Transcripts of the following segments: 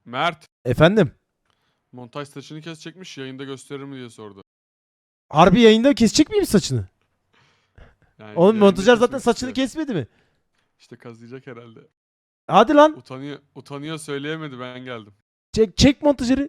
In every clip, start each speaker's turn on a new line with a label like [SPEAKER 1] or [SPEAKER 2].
[SPEAKER 1] Mert,
[SPEAKER 2] Efendim?
[SPEAKER 1] montaj saçını kesecekmiş, yayında gösterir mi diye sordu.
[SPEAKER 2] Harbi yayında kesecek miyim saçını?
[SPEAKER 1] Yani
[SPEAKER 2] Oğlum
[SPEAKER 1] yayında
[SPEAKER 2] montajer zaten
[SPEAKER 1] kesmek
[SPEAKER 2] saçını
[SPEAKER 1] istiyor.
[SPEAKER 2] kesmedi mi?
[SPEAKER 1] İşte kazıyacak herhalde.
[SPEAKER 2] Hadi lan.
[SPEAKER 1] Utanıyor söyleyemedi, ben geldim.
[SPEAKER 2] Çek montajeri.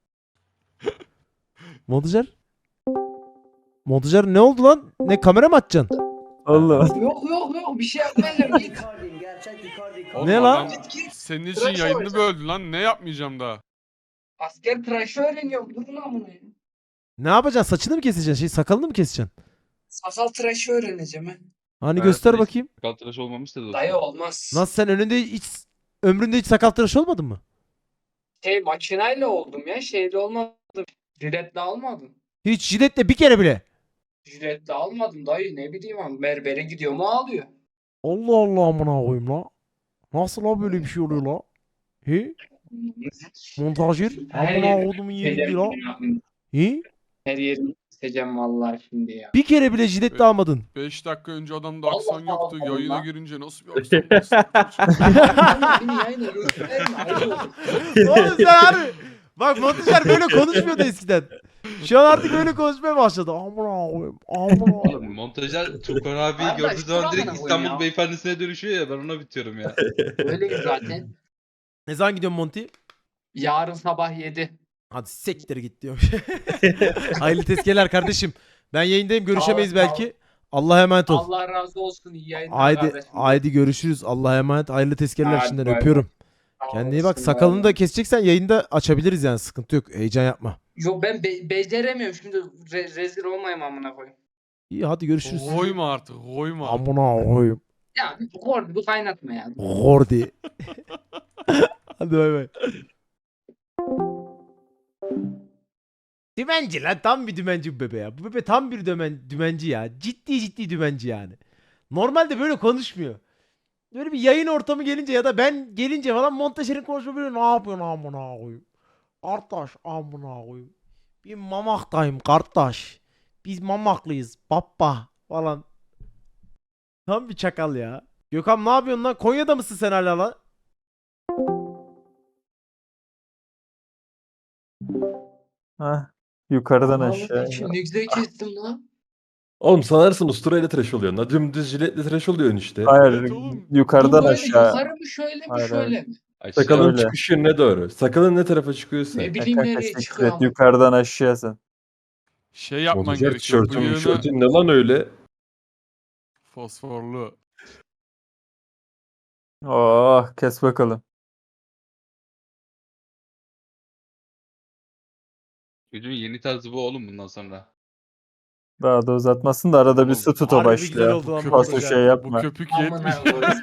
[SPEAKER 2] Montajer. Montajer ne oldu lan? Ne kamera mı açacaksın?
[SPEAKER 3] Allah.
[SPEAKER 4] Yok bir şey yapmayacağım git.
[SPEAKER 1] Oğlum
[SPEAKER 2] Ne lan?
[SPEAKER 1] adam senin için
[SPEAKER 4] Tıraş
[SPEAKER 1] yayını
[SPEAKER 4] olacağım.
[SPEAKER 1] böldü lan, ne yapmayacağım daha.
[SPEAKER 4] Asker tıraşı öğreniyorum. Durun amına ya.
[SPEAKER 2] Ne yapacaksın? Saçını mı keseceksin? Sakalını mı keseceksin?
[SPEAKER 4] Sakal tıraşı öğreneceğim he.
[SPEAKER 2] Hani göster bakayım.
[SPEAKER 5] Sakal tıraş olmamış da dostum.
[SPEAKER 4] Dayı olmaz.
[SPEAKER 2] Nasıl sen ömründe hiç sakal tıraşı olmadın mı?
[SPEAKER 4] Makinayla oldum ya. Şeyle olmadım. Jiletle almadım.
[SPEAKER 2] Hiç jiletle bir kere bile.
[SPEAKER 4] Jiletle almadım dayı. Ne bileyim abi. Berbere gidiyor mu ağlıyor.
[SPEAKER 2] Allah Allah amına koyayım la. Nasıl la böyle bir şey oluyor la? He? Montajer? Amına kodumun yerinde la. He?
[SPEAKER 4] Her yerini keseceğim vallahi şimdi ya.
[SPEAKER 2] Bir kere bile jiletle almadın.
[SPEAKER 1] 5 dakika önce adamda
[SPEAKER 4] Allah
[SPEAKER 1] aksan yoktu,
[SPEAKER 4] Allah.
[SPEAKER 1] yayına girince nasıl bir aksan bastı?
[SPEAKER 4] Beni yayına gösterme. Ayıp olur.
[SPEAKER 2] Oğlum sen harbi. Bak montajer böyle konuşmuyordu eskiden. Şu an artık böyle konuşmaya başladı. Amına koyayım. Amına
[SPEAKER 5] Oğlum
[SPEAKER 2] koyayım.
[SPEAKER 5] montajer Tukan abiyi
[SPEAKER 4] Arkadaş,
[SPEAKER 5] gördüğü zaman direkt
[SPEAKER 4] Tukan'la
[SPEAKER 5] İstanbul
[SPEAKER 4] oynuyor.
[SPEAKER 5] beyefendisine dönüşüyor ya, ben ona bitiyorum ya.
[SPEAKER 4] Öyle zaten.
[SPEAKER 2] Ne zaman gidiyorsun Monty?
[SPEAKER 4] Yarın sabah 7.
[SPEAKER 2] Hadi sektir git diyorum. Hayırlı tezkereler kardeşim. Ben yayındayım, görüşemeyiz
[SPEAKER 4] Sağ ol,
[SPEAKER 2] belki. Allah'a emanet ol.
[SPEAKER 4] Allah razı olsun. İyi yayınlar
[SPEAKER 2] Haydi
[SPEAKER 4] kardeşim.
[SPEAKER 2] haydi görüşürüz. Allah'a emanet. Hayırlı tezkereler
[SPEAKER 4] Hadi
[SPEAKER 2] şimdiden
[SPEAKER 4] bay bay.
[SPEAKER 2] öpüyorum.
[SPEAKER 4] Sağ
[SPEAKER 2] Kendine iyi bak.
[SPEAKER 4] olasın,
[SPEAKER 2] Sakalını
[SPEAKER 4] bay
[SPEAKER 2] da
[SPEAKER 4] bay.
[SPEAKER 2] keseceksen yayında açabiliriz yani, sıkıntı yok. Heyecan yapma.
[SPEAKER 4] Yok ben beceremiyorum şimdi rezil olmayayım amına koyayım.
[SPEAKER 2] İyi hadi görüşürüz.
[SPEAKER 1] Koyma artık, koyma.
[SPEAKER 2] Amına koyayım.
[SPEAKER 4] Ya bir kaynatma ya.
[SPEAKER 2] Gordi. Hadi bay bay. Dümenci lan, tam bir dümenci bu bebe ya. Bu bebe tam bir dümenci ya. Ciddi dümenci yani. Normalde böyle konuşmuyor. Böyle bir yayın ortamı gelince ya da ben gelince falan montajerin konuşma böyle, ne yapıyorsun amına koyayım. Kardeş amına koyayım. Bir mamaktayım kardeş. Biz mamaklıyız baba falan. Tam bir çakal ya. Gökhan ne yapıyorsun lan? Konya'da mısın sen hala lan?
[SPEAKER 3] Hah. Yukarıdan
[SPEAKER 4] Allah'ım
[SPEAKER 3] aşağı.
[SPEAKER 4] için ne güzel kestim lan.
[SPEAKER 6] Oğlum sanarsın usturayla tıraş oluyorsun. La dümdüz jiletle tıraş oluyorsun işte.
[SPEAKER 3] Hayır,
[SPEAKER 1] Evet oğlum.
[SPEAKER 3] yukarıdan
[SPEAKER 4] Bu böyle
[SPEAKER 3] aşağı.
[SPEAKER 4] yukarı mı şöyle mi
[SPEAKER 3] Hayır,
[SPEAKER 4] şöyle mi?
[SPEAKER 5] Aşağı.
[SPEAKER 6] Sakalın
[SPEAKER 3] Öyle.
[SPEAKER 6] çıkış yönüne doğru. Sakalın ne tarafa çıkıyorsa.
[SPEAKER 4] Ne bileyim
[SPEAKER 3] Kanka
[SPEAKER 4] nereye
[SPEAKER 3] siktir
[SPEAKER 4] çıkıyor
[SPEAKER 3] et,
[SPEAKER 4] ama.
[SPEAKER 3] yukarıdan aşağı sen.
[SPEAKER 1] Şey yapman
[SPEAKER 6] Montajer
[SPEAKER 1] gerekiyor.
[SPEAKER 6] tişörtün
[SPEAKER 1] Bıyığını
[SPEAKER 6] tişörtün ne lan öyle?
[SPEAKER 1] fosforlu.
[SPEAKER 3] Oh, kes bakalım.
[SPEAKER 5] Çocuğun yeni tarzı bu oğlum bundan sonra.
[SPEAKER 3] Daha da uzatmasın da arada bir
[SPEAKER 1] Oğlum,
[SPEAKER 3] su tutu
[SPEAKER 2] harbi güzel
[SPEAKER 3] başlıyor.
[SPEAKER 2] oldu lan
[SPEAKER 1] Bu
[SPEAKER 3] Fazla
[SPEAKER 2] montajer.
[SPEAKER 3] şey
[SPEAKER 1] Bu
[SPEAKER 3] yapma.
[SPEAKER 1] köpük
[SPEAKER 4] Amına
[SPEAKER 1] yetmiş.
[SPEAKER 4] koyayım.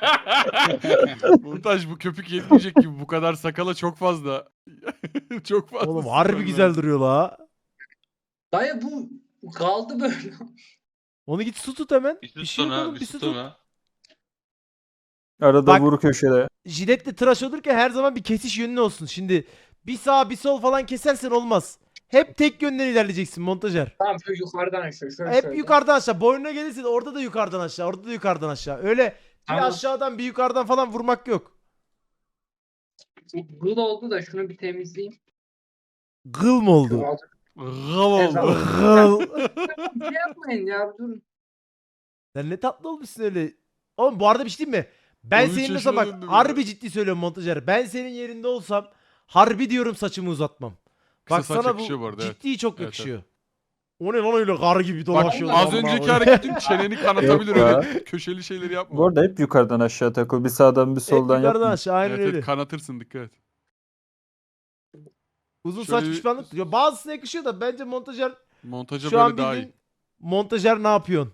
[SPEAKER 1] Montaj, bu köpük yetmeyecek gibi, bu kadar sakala çok fazla. Çok fazla.
[SPEAKER 2] Oğlum harbi
[SPEAKER 1] sürmen
[SPEAKER 2] güzel
[SPEAKER 1] lazım.
[SPEAKER 2] duruyor la.
[SPEAKER 4] Dayı bu kaldı böyle.
[SPEAKER 2] Onu git su tut hemen.
[SPEAKER 5] Bir
[SPEAKER 2] Bir
[SPEAKER 5] süt
[SPEAKER 2] şey yok
[SPEAKER 5] sonra,
[SPEAKER 2] oğlum,
[SPEAKER 5] bir
[SPEAKER 2] bir
[SPEAKER 5] süt
[SPEAKER 2] su tut.
[SPEAKER 5] sonra.
[SPEAKER 3] Arada
[SPEAKER 2] Bak-
[SPEAKER 3] vur köşede.
[SPEAKER 2] Jiletle tıraş olurken her zaman bir kesiş yönün olsun. Şimdi bir sağ bir sol falan kesersen olmaz. Hep tek yönden ilerleyeceksin montajer.
[SPEAKER 4] Tamam şu yukarıdan aşağı şöyle
[SPEAKER 2] Hep
[SPEAKER 4] şöyle.
[SPEAKER 2] yukarıdan aşağı. Boynuna gelirse de orada da yukarıdan aşağı. Orada da yukarıdan aşağı. Öyle
[SPEAKER 4] Tamam.
[SPEAKER 2] bir aşağıdan bir yukarıdan falan vurmak yok.
[SPEAKER 4] Gıl oldu da şunu bir temizleyeyim.
[SPEAKER 2] Gıl mı oldu?
[SPEAKER 1] Gav oldu.
[SPEAKER 2] Gıl.
[SPEAKER 4] Bir şey yapmayın ya durun.
[SPEAKER 2] Sen ne tatlı olmuşsun öyle. Oğlum bu arada bir şey diyeyim mi? Ben
[SPEAKER 1] 13
[SPEAKER 2] senin mesela
[SPEAKER 1] yaşına
[SPEAKER 2] bak
[SPEAKER 1] döndüm
[SPEAKER 2] harbi
[SPEAKER 1] ya.
[SPEAKER 2] ciddi söylüyorum montajer. Ben senin yerinde olsam harbi diyorum saçımı uzatmam.
[SPEAKER 1] Kısa
[SPEAKER 2] Bak
[SPEAKER 1] saç
[SPEAKER 2] sana
[SPEAKER 1] yakışıyor bu arada, evet.
[SPEAKER 2] ciddi çok
[SPEAKER 1] Evet,
[SPEAKER 2] yakışıyor. O ne lan öyle kar gibi
[SPEAKER 1] Bak
[SPEAKER 2] dolaşıyor.
[SPEAKER 1] az önceki hareketin çeneni kanatabilir,
[SPEAKER 3] Yok
[SPEAKER 1] öyle köşeli şeyleri yapma.
[SPEAKER 3] Bu arada hep yukarıdan aşağı takıl. Bir sağdan bir
[SPEAKER 2] Hep
[SPEAKER 3] soldan
[SPEAKER 2] yukarıdan
[SPEAKER 3] yapma.
[SPEAKER 2] aşağı aynen
[SPEAKER 1] Evet,
[SPEAKER 2] öyle.
[SPEAKER 1] evet, kanatırsın, dikkat et.
[SPEAKER 2] Uzun
[SPEAKER 1] Şöyle
[SPEAKER 2] saç
[SPEAKER 1] bir-
[SPEAKER 2] pişmanlık diyor. Bazısına yakışıyor da bence montajer
[SPEAKER 1] Montaja
[SPEAKER 2] şu an
[SPEAKER 1] böyle daha iyi.
[SPEAKER 2] bildiğin montajer ne yapıyorsun?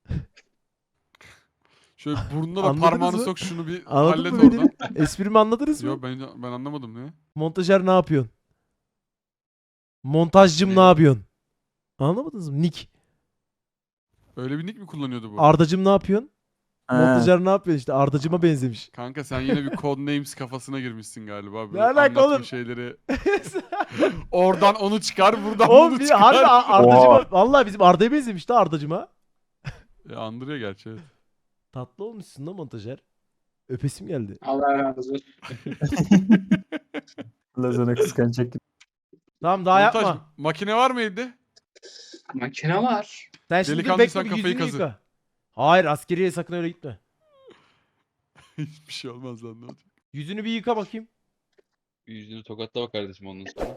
[SPEAKER 1] Şöyle burnuna da
[SPEAKER 2] Anladınız
[SPEAKER 1] parmağını
[SPEAKER 2] mı?
[SPEAKER 1] sok, şunu bir
[SPEAKER 2] Anladın
[SPEAKER 1] hallet
[SPEAKER 2] mı
[SPEAKER 1] oradan.
[SPEAKER 2] beni? Esprimi anladınız mı?
[SPEAKER 1] Yok, ben anlamadım ne?
[SPEAKER 2] Montajer ne yapıyorsun? Montajcım
[SPEAKER 1] Ne?
[SPEAKER 2] ne yapıyorsun? Anlamadınız mı? Nick.
[SPEAKER 1] Öyle bir nick mi kullanıyordu bu?
[SPEAKER 2] Ardacım ne yapıyorsun?
[SPEAKER 3] He.
[SPEAKER 2] Montajer ne yapıyorsun işte? Ardacıma benzemiş.
[SPEAKER 1] Kanka sen yine bir Codenames kafasına girmişsin galiba. Böyle
[SPEAKER 2] Ne alaka
[SPEAKER 1] anlatma
[SPEAKER 2] oğlum?
[SPEAKER 1] şeyleri. Oradan onu çıkar, buradan
[SPEAKER 2] Oğlum
[SPEAKER 1] bunu
[SPEAKER 2] bir
[SPEAKER 1] çıkar.
[SPEAKER 2] harbi Ardacıma
[SPEAKER 3] Oha.
[SPEAKER 2] vallahi bizim Arda'ya benzemiş de Ardacıma.
[SPEAKER 1] Andırıyor gerçi, evet.
[SPEAKER 2] Tatlı olmuşsun da montajer. Öpesim geldi.
[SPEAKER 4] Allah razı olsun.
[SPEAKER 3] Lazana kıskanacak gibi.
[SPEAKER 2] Tamam daha
[SPEAKER 1] Montaj,
[SPEAKER 2] yapma.
[SPEAKER 1] makine var mı evde?
[SPEAKER 4] Makine var.
[SPEAKER 2] Sen şimdi dur
[SPEAKER 1] Delikanlı,
[SPEAKER 2] bekle
[SPEAKER 1] sen
[SPEAKER 2] bir
[SPEAKER 1] kafayı
[SPEAKER 2] yüzünü
[SPEAKER 1] kazı.
[SPEAKER 2] yıka. Hayır askeriye sakın öyle gitme.
[SPEAKER 1] Hiçbir şey olmaz lan, ne olacak?
[SPEAKER 2] Yüzünü bir yıka bakayım.
[SPEAKER 5] Yüzünü tokatla bak kardeşim ondan sonra.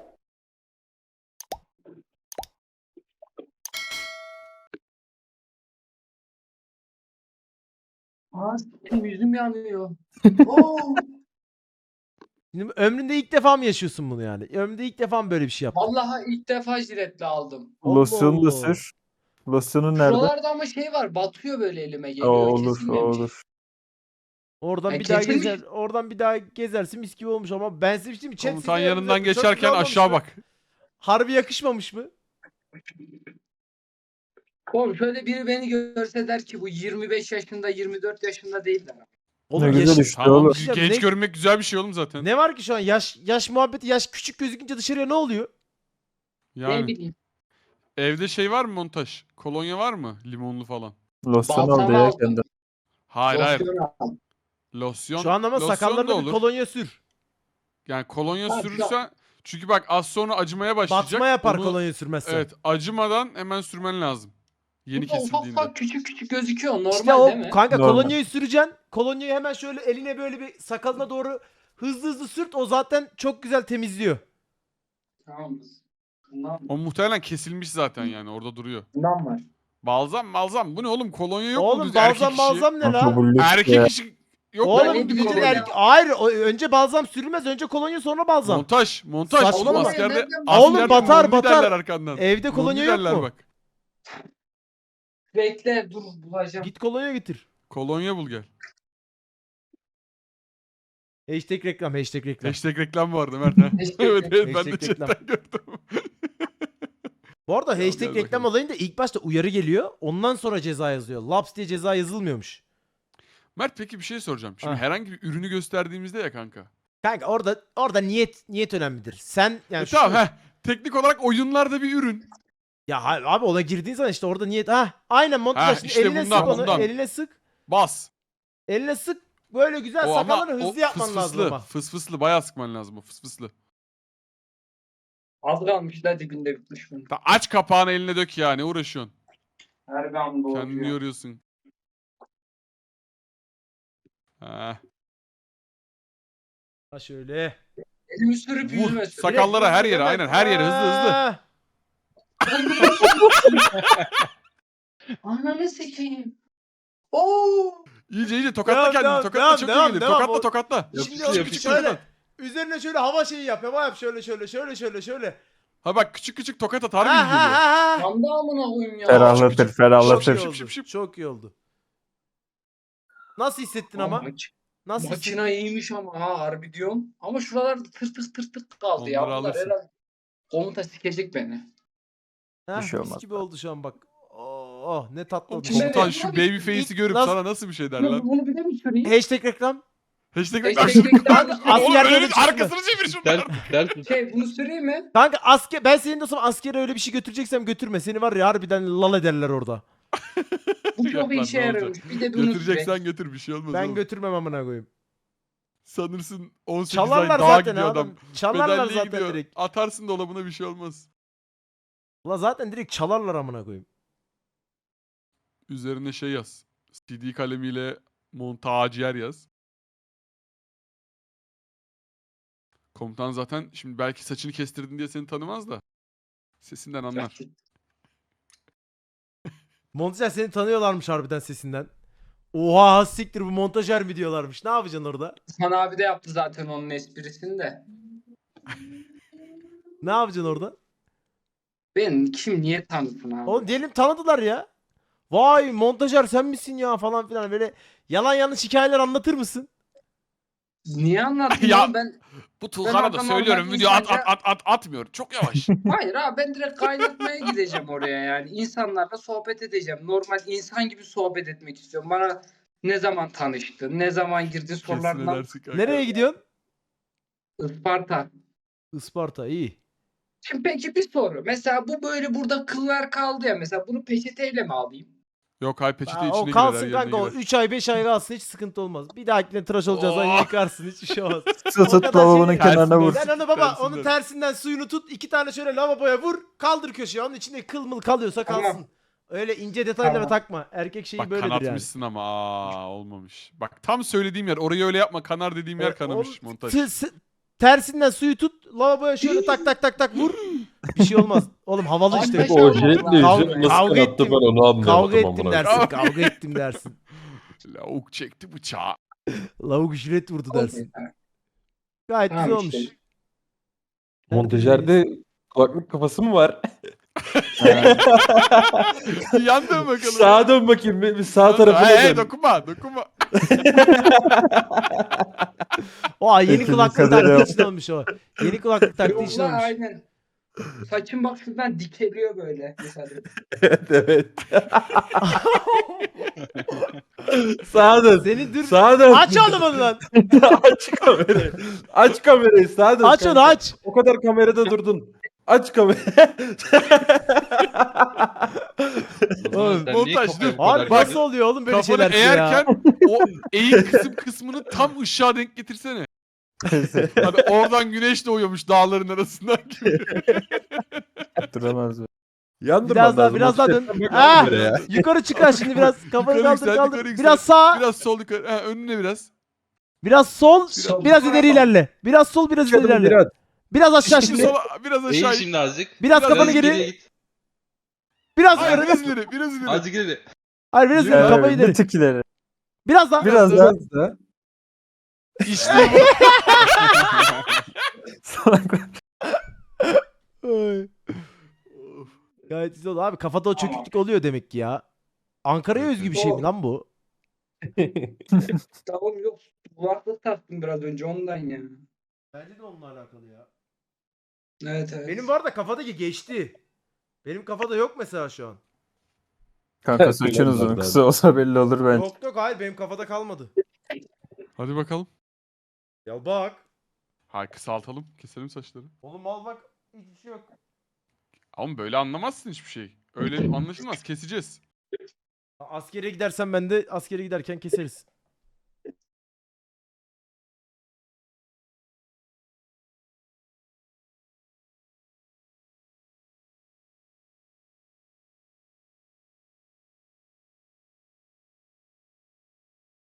[SPEAKER 4] Aa, yüzüm yanıyor. Oo.
[SPEAKER 2] Şimdi ömründe ilk defa mı yaşıyorsun bunu yani? Ömründe ilk defa mı böyle bir şey yaptın?
[SPEAKER 4] Vallahi ilk defa jiletle aldım.
[SPEAKER 2] Allah
[SPEAKER 3] Losyonu da
[SPEAKER 2] Allah.
[SPEAKER 3] sür. Losyonun nerede?
[SPEAKER 4] Şuralarda ama şey var, batıyor böyle elime
[SPEAKER 3] O
[SPEAKER 4] geliyor.
[SPEAKER 3] olur, o
[SPEAKER 4] Kesilmemiş.
[SPEAKER 3] olur.
[SPEAKER 2] Oradan
[SPEAKER 4] Ya
[SPEAKER 2] bir daha
[SPEAKER 4] kesilmiş.
[SPEAKER 2] gezer, oradan bir daha gezersin mis gibi olmuş ama ben size bir şey diyeyim mi? Chat
[SPEAKER 1] Komutan
[SPEAKER 2] size
[SPEAKER 1] yanından
[SPEAKER 2] çok güzel
[SPEAKER 1] geçerken
[SPEAKER 2] olmamış
[SPEAKER 1] aşağı
[SPEAKER 2] mı?
[SPEAKER 1] bak.
[SPEAKER 2] Harbi yakışmamış mı?
[SPEAKER 4] Oğlum şöyle biri beni görse der ki bu 25 yaşında 24 yaşında değil der.
[SPEAKER 2] Oğlum
[SPEAKER 3] Ne güzel
[SPEAKER 2] yaş-
[SPEAKER 3] işte
[SPEAKER 1] Tamam,
[SPEAKER 3] oğlum.
[SPEAKER 2] Hocam,
[SPEAKER 1] genç
[SPEAKER 2] ne-
[SPEAKER 1] görünmek güzel bir şey oğlum zaten.
[SPEAKER 2] Ne var ki şu an yaş muhabbeti yaş küçük gözükünce dışarıya ne oluyor?
[SPEAKER 4] Ne
[SPEAKER 1] Yani
[SPEAKER 4] bileyim.
[SPEAKER 1] evde şey var mı montaj? Kolonya var mı? Limonlu falan.
[SPEAKER 3] Losyon al
[SPEAKER 4] Balsam
[SPEAKER 3] diye
[SPEAKER 4] aldım.
[SPEAKER 3] kendin.
[SPEAKER 1] Hayır hayır.
[SPEAKER 4] Losyon aldım.
[SPEAKER 1] Losyon.
[SPEAKER 2] Şu an ama
[SPEAKER 1] losyon da
[SPEAKER 2] sakallarına bir
[SPEAKER 1] olur.
[SPEAKER 2] kolonya sür.
[SPEAKER 1] Yani kolonya
[SPEAKER 4] Ha, şu an-
[SPEAKER 1] sürürsen, çünkü bak az sonra acımaya başlayacak.
[SPEAKER 2] Batma yapar
[SPEAKER 1] Onu-
[SPEAKER 2] kolonya sürmezsen.
[SPEAKER 1] Evet, acımadan hemen sürmen lazım. Yeni
[SPEAKER 4] Burada ufak
[SPEAKER 1] kesildiğinde.
[SPEAKER 4] ufak küçük küçük gözüküyor. Normal
[SPEAKER 2] İşte o
[SPEAKER 4] değil mi?
[SPEAKER 2] kanka
[SPEAKER 3] Normal.
[SPEAKER 2] kolonyayı süreceksin. Kolonyayı hemen şöyle eline böyle bir sakalına doğru hızlı hızlı sürt. O zaten çok güzel temizliyor.
[SPEAKER 4] Tamam. Bundan,
[SPEAKER 1] O muhtemelen kesilmiş zaten, yani orada duruyor.
[SPEAKER 4] bundan var.
[SPEAKER 1] Balzam bu ne oğlum, kolonya yok mu
[SPEAKER 2] Oğlum
[SPEAKER 1] düz erkek işi?
[SPEAKER 2] balzam ne
[SPEAKER 3] Kanka
[SPEAKER 2] la?
[SPEAKER 3] bu lüks
[SPEAKER 1] Erkek
[SPEAKER 3] ya.
[SPEAKER 1] işi yok mu
[SPEAKER 2] Oğlum
[SPEAKER 1] oğlum bir
[SPEAKER 4] bileyim
[SPEAKER 2] bütün
[SPEAKER 1] kolonya?
[SPEAKER 4] ya.
[SPEAKER 2] hayır önce balzam sürülmez. Önce kolonya sonra balzam.
[SPEAKER 1] Montaj oğlum,
[SPEAKER 2] Saçmalama.
[SPEAKER 1] askerde,
[SPEAKER 4] Nereden-
[SPEAKER 2] Oğlum
[SPEAKER 1] askerde
[SPEAKER 2] batar,
[SPEAKER 1] mummi
[SPEAKER 2] batar.
[SPEAKER 1] derler arkandan.
[SPEAKER 2] Evde kolonya
[SPEAKER 1] Mummi
[SPEAKER 2] yok
[SPEAKER 1] derler
[SPEAKER 2] mu?
[SPEAKER 1] bak.
[SPEAKER 4] Bekle dur bulacağım.
[SPEAKER 2] Git kolonya getir.
[SPEAKER 1] Kolonya bul gel.
[SPEAKER 2] Hashtag reklam, hashtag reklam.
[SPEAKER 1] Hashtag reklam vardı Mert ha.
[SPEAKER 4] Hashtag
[SPEAKER 1] evet evet, ben
[SPEAKER 2] Hashtag
[SPEAKER 1] de
[SPEAKER 2] reklam.
[SPEAKER 1] chatten gördüm.
[SPEAKER 2] Bu arada
[SPEAKER 1] Gel,
[SPEAKER 2] hashtag
[SPEAKER 1] gel
[SPEAKER 2] reklam
[SPEAKER 1] bakalım.
[SPEAKER 2] olayında ilk başta uyarı geliyor. Ondan sonra ceza yazıyor. Laps diye ceza yazılmıyormuş.
[SPEAKER 1] Mert peki bir şey soracağım. Şimdi
[SPEAKER 2] Ha.
[SPEAKER 1] herhangi bir ürünü gösterdiğimizde ya kanka.
[SPEAKER 2] Kanka orada niyet önemlidir. Sen yani
[SPEAKER 1] Tamam
[SPEAKER 2] şu-
[SPEAKER 1] heh. Teknik olarak oyunlarda bir ürün.
[SPEAKER 2] Ya hayır abi ona girdiğin zaman işte orada niyet. Ha aynen montaj.
[SPEAKER 1] işte
[SPEAKER 2] Eline
[SPEAKER 1] bundan,
[SPEAKER 2] sık onu.
[SPEAKER 1] bundan.
[SPEAKER 2] Eline sık.
[SPEAKER 1] Bas.
[SPEAKER 2] Eline sık. Böyle güzel
[SPEAKER 1] O ama
[SPEAKER 2] sakalları
[SPEAKER 1] o
[SPEAKER 2] hızlı yapman lazım
[SPEAKER 1] fısfıslı.
[SPEAKER 2] ama.
[SPEAKER 1] Fısfıslı bayağı sıkman lazım o fısfıslı.
[SPEAKER 4] Az kalmış la dibinde bitmiş bunun.
[SPEAKER 1] Aç kapağını eline dök ya, ne uğraşıyorsun?
[SPEAKER 4] Her bir anda
[SPEAKER 1] Kendini
[SPEAKER 4] oluyor.
[SPEAKER 1] yoruyorsun. Ha.
[SPEAKER 2] Ha şöyle.
[SPEAKER 4] Elimi sürüp
[SPEAKER 1] Vur.
[SPEAKER 4] yüzüme sür.
[SPEAKER 1] Sakallara her yere, aynen her yere hızlı hızlı.
[SPEAKER 2] Ha.
[SPEAKER 4] Ananı sikeyim. Oo.
[SPEAKER 1] İyice tokatla
[SPEAKER 2] Devam,
[SPEAKER 1] kendini.
[SPEAKER 2] devam,
[SPEAKER 1] Tokatla
[SPEAKER 2] devam,
[SPEAKER 1] çok
[SPEAKER 2] devam,
[SPEAKER 1] iyi gelir.
[SPEAKER 2] devam.
[SPEAKER 1] Tokatla
[SPEAKER 2] O-
[SPEAKER 1] tokatla.
[SPEAKER 2] Şimdi
[SPEAKER 5] Yapıştır,
[SPEAKER 2] oğlum
[SPEAKER 5] yapıştır.
[SPEAKER 2] şöyle. Üzerine şöyle hava şeyi yap. Hava yap şöyle.
[SPEAKER 1] Ha bak, küçük tokat at,
[SPEAKER 2] Ha
[SPEAKER 1] harbi iyi
[SPEAKER 2] ha
[SPEAKER 1] geliyor.
[SPEAKER 2] ha ha.
[SPEAKER 4] Yanda amına koyayım ya.
[SPEAKER 3] Ferahlatır,
[SPEAKER 2] Çok iyi
[SPEAKER 3] ferahlatır.
[SPEAKER 1] Şıp,
[SPEAKER 2] oldu.
[SPEAKER 1] şıp, şıp.
[SPEAKER 2] Çok iyi oldu. Nasıl hissettin ama? Nasıl
[SPEAKER 4] Makina
[SPEAKER 2] hissettin?
[SPEAKER 4] iyiymiş ama ha harbi diyorum. Ama şuralar tır kaldı ya.
[SPEAKER 1] Onları
[SPEAKER 4] Bunlar
[SPEAKER 1] alırsın.
[SPEAKER 4] herhalde komuta sikecek beni.
[SPEAKER 2] Ha,
[SPEAKER 3] Bir şey
[SPEAKER 2] mis
[SPEAKER 3] olmaz
[SPEAKER 2] gibi oldu şu an bak. Oh ne tatlı oldu.
[SPEAKER 4] Şimdi-
[SPEAKER 1] Komutan şu baby face'i
[SPEAKER 2] İlk-
[SPEAKER 1] görüp
[SPEAKER 2] nasıl-
[SPEAKER 1] sana nasıl bir şey der
[SPEAKER 4] Bunu,
[SPEAKER 1] lan?
[SPEAKER 4] bunu bir de mi süreyim?
[SPEAKER 2] Hashtag reklam.
[SPEAKER 1] Hashtag
[SPEAKER 4] Hashtag reklam.
[SPEAKER 1] Oğlum
[SPEAKER 2] Askerlere
[SPEAKER 1] öyle
[SPEAKER 2] çıkma.
[SPEAKER 1] arkasını çevir şundan.
[SPEAKER 5] Ders
[SPEAKER 4] Şey bunu süreyim mi?
[SPEAKER 2] Kanka ben senin de askere öyle bir şey götüreceksem götürme. Seni var ya harbiden lal ederler orada.
[SPEAKER 4] Bu
[SPEAKER 1] Yok
[SPEAKER 4] çok
[SPEAKER 1] lan,
[SPEAKER 4] işe
[SPEAKER 1] ne olacak?
[SPEAKER 4] yarıyormuş. Bir de bunu süreyim.
[SPEAKER 1] Götüreceksen götür, bir şey olmaz
[SPEAKER 2] Ben
[SPEAKER 1] oğlum.
[SPEAKER 2] götürmem amına koyayım.
[SPEAKER 1] Sanırsın 18
[SPEAKER 2] Çalarlar
[SPEAKER 1] ay dağa
[SPEAKER 2] zaten
[SPEAKER 1] gidiyor
[SPEAKER 2] adam.
[SPEAKER 1] adam.
[SPEAKER 2] Çalarlar
[SPEAKER 1] Bedelliye
[SPEAKER 2] zaten
[SPEAKER 1] gidiyor.
[SPEAKER 2] direkt.
[SPEAKER 1] Atarsın dolabına, bir şey olmaz.
[SPEAKER 2] La zaten direkt çalarlar amına koyayım.
[SPEAKER 1] Üzerine şey yaz. CD kalemiyle montaciyer yaz. Komutan zaten şimdi belki saçını kestirdin diye seni tanımaz da. Sesinden anlar.
[SPEAKER 2] Montajer seni tanıyorlarmış harbiden sesinden. Oha siktir bu montajer mi diyorlarmış. Ne yapacaksın orada?
[SPEAKER 4] Hasan abi de yaptı zaten onun esprisini de.
[SPEAKER 2] Ne yapacaksın orada?
[SPEAKER 4] Ben kim niye tanısın abi?
[SPEAKER 2] Oğlum diyelim tanıdılar ya. Vay montajer sen misin ya falan filan böyle yalan yanlış hikayeler anlatır mısın?
[SPEAKER 4] Niye anlattın
[SPEAKER 1] Ya-
[SPEAKER 4] oğlum ben?
[SPEAKER 1] Bu
[SPEAKER 4] Ben
[SPEAKER 1] Tulkan'a da
[SPEAKER 4] adam
[SPEAKER 1] söylüyorum,
[SPEAKER 4] olmak
[SPEAKER 1] video
[SPEAKER 4] insanca-
[SPEAKER 1] atmıyor. Çok yavaş.
[SPEAKER 4] Hayır abi ben direkt kaynatmaya gideceğim oraya yani. İnsanlarla sohbet edeceğim. Normal insan gibi sohbet etmek istiyorum. Bana ne zaman tanıştın, ne zaman girdin
[SPEAKER 1] Kesin
[SPEAKER 4] sorularından.
[SPEAKER 1] edersin kanka.
[SPEAKER 2] Nereye gidiyorsun?
[SPEAKER 4] Isparta.
[SPEAKER 2] Isparta iyi.
[SPEAKER 4] Şimdi peki bir soru. Mesela bu böyle burada kıllar kaldı ya. Mesela bunu peçeteyle mi alayım?
[SPEAKER 1] Yok hay peçete
[SPEAKER 2] Aa,
[SPEAKER 1] içine
[SPEAKER 2] o
[SPEAKER 1] girer,
[SPEAKER 2] kalsın
[SPEAKER 1] her
[SPEAKER 2] kanka, o
[SPEAKER 1] yerine girer.
[SPEAKER 2] 3 ay 5 ay kalsın, hiç sıkıntı olmaz. Bir dahakine tıraş olacağız lan,
[SPEAKER 1] Oh.
[SPEAKER 2] yıkarsın, hiçbir şey olmaz.
[SPEAKER 3] Su
[SPEAKER 2] O
[SPEAKER 3] tut
[SPEAKER 2] kadar
[SPEAKER 3] lavabonun
[SPEAKER 2] şey-
[SPEAKER 3] kenarına vur.
[SPEAKER 2] Sen onu baba, onun
[SPEAKER 1] Tersinden.
[SPEAKER 2] tersinden suyunu tut, 2 tane şöyle lavaboya vur, kaldır köşeye, onun içinde kıl mıl kalıyorsa
[SPEAKER 4] Tamam.
[SPEAKER 2] kalsın. Öyle ince detaylara
[SPEAKER 4] Tamam.
[SPEAKER 2] takma. Erkek şeyi
[SPEAKER 1] Bak
[SPEAKER 2] böyledir yani.
[SPEAKER 1] kanatmışsın ama olmamış. Bak tam söylediğim yer, orayı öyle yapma, kanar dediğim yer kanamış
[SPEAKER 2] O
[SPEAKER 1] montaj.
[SPEAKER 2] tersinden suyu tut, lavaboya şöyle tak tak tak tak vur. Bir şey olmaz. Oğlum havalı işte.
[SPEAKER 4] Beş
[SPEAKER 6] O
[SPEAKER 4] olmaz
[SPEAKER 6] jiletle
[SPEAKER 4] lazım.
[SPEAKER 6] yüzünü nasıl
[SPEAKER 2] Kavga
[SPEAKER 6] kanattı
[SPEAKER 2] ettim.
[SPEAKER 6] ben onu
[SPEAKER 2] Kavga
[SPEAKER 6] anlayamadım
[SPEAKER 2] ettim
[SPEAKER 6] amına.
[SPEAKER 2] dersin. Kavga ettim dersin.
[SPEAKER 1] Lavuk çekti bıçağı.
[SPEAKER 2] Lavuk jilet vurdu dersin.
[SPEAKER 4] Tamam.
[SPEAKER 2] Gayet
[SPEAKER 4] Tamam
[SPEAKER 2] güzel
[SPEAKER 4] işte.
[SPEAKER 2] olmuş.
[SPEAKER 6] Montajerde kulaklık kafası mı var?
[SPEAKER 1] Yan dön bakalım.
[SPEAKER 6] Sağa dön bakayım bir sağ tarafına
[SPEAKER 1] Hey,
[SPEAKER 6] dön.
[SPEAKER 1] dokunma dokunma.
[SPEAKER 2] O yeni
[SPEAKER 3] Ekibin
[SPEAKER 2] kulaklık
[SPEAKER 3] kaderi
[SPEAKER 2] taktığı
[SPEAKER 3] yok.
[SPEAKER 2] için olmuş o. Yeni kulaklık taktığı
[SPEAKER 4] Yok
[SPEAKER 2] için
[SPEAKER 4] lan,
[SPEAKER 2] olmuş.
[SPEAKER 4] aynen. Saçım bak şuradan dikeliyor böyle. Mesela.
[SPEAKER 6] Evet evet. Sağa dön.
[SPEAKER 2] Seni dur.
[SPEAKER 6] Sağa dön.
[SPEAKER 2] Aç oğlum onu lan.
[SPEAKER 6] Aç kamerayı. Aç kamerayı sağa dön.
[SPEAKER 2] Aç onu,
[SPEAKER 6] kanka.
[SPEAKER 2] aç.
[SPEAKER 6] O kadar kamerada durdun. Aç kamerayı.
[SPEAKER 5] O zaman sen niye
[SPEAKER 1] montaj,
[SPEAKER 5] kafaya
[SPEAKER 1] dur.
[SPEAKER 5] bu kadar
[SPEAKER 2] Abi nasıl oluyor oğlum böyle
[SPEAKER 1] Kafanı
[SPEAKER 2] şeyler ya?
[SPEAKER 1] eğerken o eğik kısmını tam ışığa denk getirsene. Hani oradan güneş doğuyormuş dağların arasından gibi.
[SPEAKER 3] Duramaz be.
[SPEAKER 6] Yandırman
[SPEAKER 2] Biraz daha,
[SPEAKER 6] lazım.
[SPEAKER 2] biraz daha dön.
[SPEAKER 6] Bak
[SPEAKER 2] Ah!
[SPEAKER 6] kameraya.
[SPEAKER 2] Yukarı çıkar şimdi biraz. Kafanı
[SPEAKER 1] Yukarı
[SPEAKER 2] kaldır
[SPEAKER 1] yüksel,
[SPEAKER 2] kaldır.
[SPEAKER 1] yukarı yüksel.
[SPEAKER 2] Biraz sağ.
[SPEAKER 1] Biraz sol yukarı. Ha, önüne biraz.
[SPEAKER 2] Biraz sol.
[SPEAKER 4] Sol.
[SPEAKER 2] Biraz ileri ilerle. Biraz sol, biraz ileri
[SPEAKER 6] Adım
[SPEAKER 2] ilerle.
[SPEAKER 6] biraz.
[SPEAKER 2] Biraz aşağı
[SPEAKER 1] Şimdi
[SPEAKER 2] şimdi.
[SPEAKER 1] sola, biraz
[SPEAKER 5] Eğil
[SPEAKER 1] aşağı.
[SPEAKER 5] şimdi azıcık.
[SPEAKER 2] Biraz kafanı
[SPEAKER 5] Azıcık
[SPEAKER 2] geri.
[SPEAKER 5] geriye git.
[SPEAKER 2] Biraz
[SPEAKER 1] Hayır,
[SPEAKER 2] ileri.
[SPEAKER 1] biraz ileri, biraz ileri.
[SPEAKER 5] Azıcık ileri.
[SPEAKER 2] Hayır, biraz ileri.
[SPEAKER 3] Evet,
[SPEAKER 2] Kafayı
[SPEAKER 3] bir
[SPEAKER 2] ileri.
[SPEAKER 3] tık ileri.
[SPEAKER 2] Biraz daha.
[SPEAKER 3] Biraz daha.
[SPEAKER 1] İşte bu.
[SPEAKER 3] Salak.
[SPEAKER 2] Ay. Gayet güzel oldu. Abi kafada o çöküklük oluyor demek ki ya. Ankara'ya özgü bir şey mi lan bu?
[SPEAKER 4] Tamam, yok. Kulaklık taktım biraz önce ondan ya.
[SPEAKER 2] Bence de onunla alakalı ya.
[SPEAKER 4] Evet evet.
[SPEAKER 2] Benim var da kafadaki geçti. Benim kafada yok mesela şu an.
[SPEAKER 3] Kanka saçın uzun. Kısa olsa belli olur bence.
[SPEAKER 2] Yok yok, hayır benim kafada kalmadı.
[SPEAKER 1] Hadi bakalım.
[SPEAKER 2] Ya bak.
[SPEAKER 1] Hayır, kısaltalım. Keselim saçları.
[SPEAKER 2] Oğlum al bak. Hiçbir şey yok.
[SPEAKER 1] Ama böyle anlamazsın hiçbir şey. Öyle anlaşılmaz. Keseceğiz.
[SPEAKER 2] Askere gidersen ben de askere giderken keseriz.